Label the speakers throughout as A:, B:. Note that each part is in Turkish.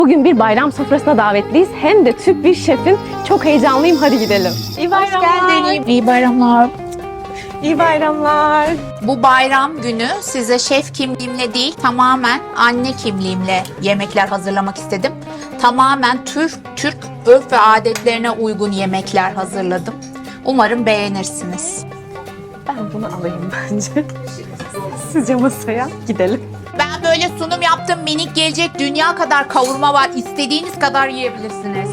A: Bugün bir bayram sofrasına davetliyiz. Hem de Türk bir şefin. Çok heyecanlıyım. Hadi gidelim. İyi bayramlar.
B: İyi bayramlar.
A: İyi bayramlar.
B: Bu bayram günü size şef kimliğimle değil, tamamen anne kimliğimle yemekler hazırlamak istedim. Tamamen Türk örf ve adetlerine uygun yemekler hazırladım. Umarım beğenirsiniz.
A: Ben bunu alayım bence. Sizce masaya gidelim.
B: Ben böyle sunum yaptım. Minik gelecek, dünya kadar kavurma var. İstediğiniz kadar yiyebilirsiniz.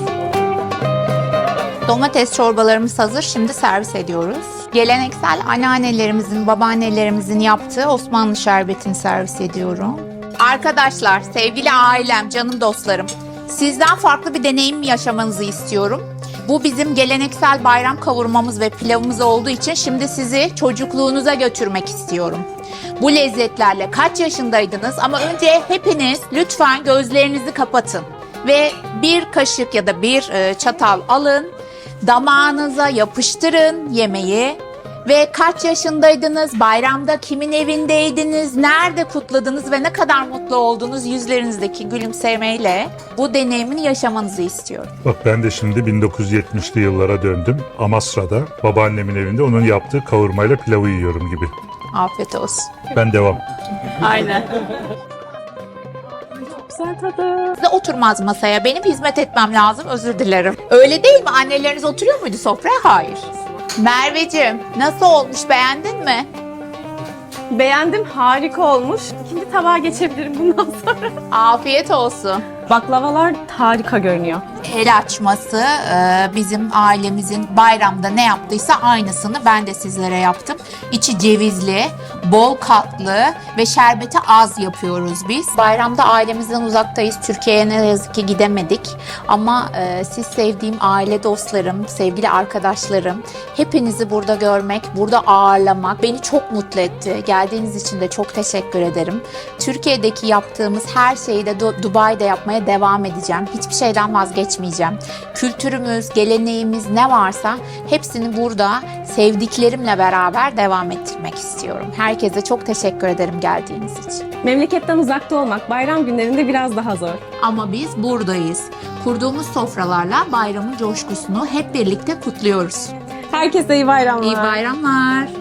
B: Domates çorbalarımız hazır. Şimdi servis ediyoruz. Geleneksel anneannelerimizin, babaannelerimizin yaptığı Osmanlı şerbetini servis ediyorum. Arkadaşlar, sevgili ailem, canım dostlarım, sizden farklı bir deneyim yaşamanızı istiyorum. Bu bizim geleneksel bayram kavurmamız ve pilavımız olduğu için şimdi sizi çocukluğunuza götürmek istiyorum. Bu lezzetlerle kaç yaşındaydınız? Ama önce hepiniz lütfen gözlerinizi kapatın ve bir kaşık ya da bir çatal alın, damağınıza yapıştırın yemeği ve kaç yaşındaydınız, bayramda kimin evindeydiniz, nerede kutladınız ve ne kadar mutlu oldunuz, yüzlerinizdeki gülümsemeyle bu deneyimini yaşamanızı istiyorum.
C: Bak ben de şimdi 1970'li yıllara döndüm. Amasra'da babaannemin evinde onun yaptığı kavurmayla pilavı yiyorum gibi.
B: Afiyet olsun.
C: Ben devam.
A: Aynen. Güzel tadı.
B: Size oturmaz masaya. Benim hizmet etmem lazım. Özür dilerim. Öyle değil mi? Anneleriniz oturuyor muydu sofraya? Hayır. Merveciğim, nasıl olmuş? Beğendin mi?
A: Beğendim. Harika olmuş. İkinci tabağa geçebilirim bundan sonra.
B: Afiyet olsun.
A: Baklavalar harika görünüyor.
B: El açması bizim ailemizin bayramda ne yaptıysa aynısını ben de sizlere yaptım. İçi cevizli, bol katlı ve şerbeti az yapıyoruz biz. Bayramda ailemizden uzaktayız. Türkiye'ye ne yazık ki gidemedik. Ama siz sevdiğim aile dostlarım, sevgili arkadaşlarım, hepinizi burada görmek, burada ağırlamak beni çok mutlu etti. Geldiğiniz için de çok teşekkür ederim. Türkiye'deki yaptığımız her şeyi de Dubai'de yapmaya devam edeceğim. Hiçbir şeyden vazgeçmeyeceğim. Kültürümüz, geleneğimiz ne varsa hepsini burada sevdiklerimle beraber devam ettirmek istiyorum. Herkese çok teşekkür ederim geldiğiniz için.
A: Memleketten uzakta olmak bayram günlerinde biraz daha zor.
B: Ama biz buradayız. Kurduğumuz sofralarla bayramın coşkusunu hep birlikte kutluyoruz.
A: Herkese iyi bayramlar.
B: İyi bayramlar.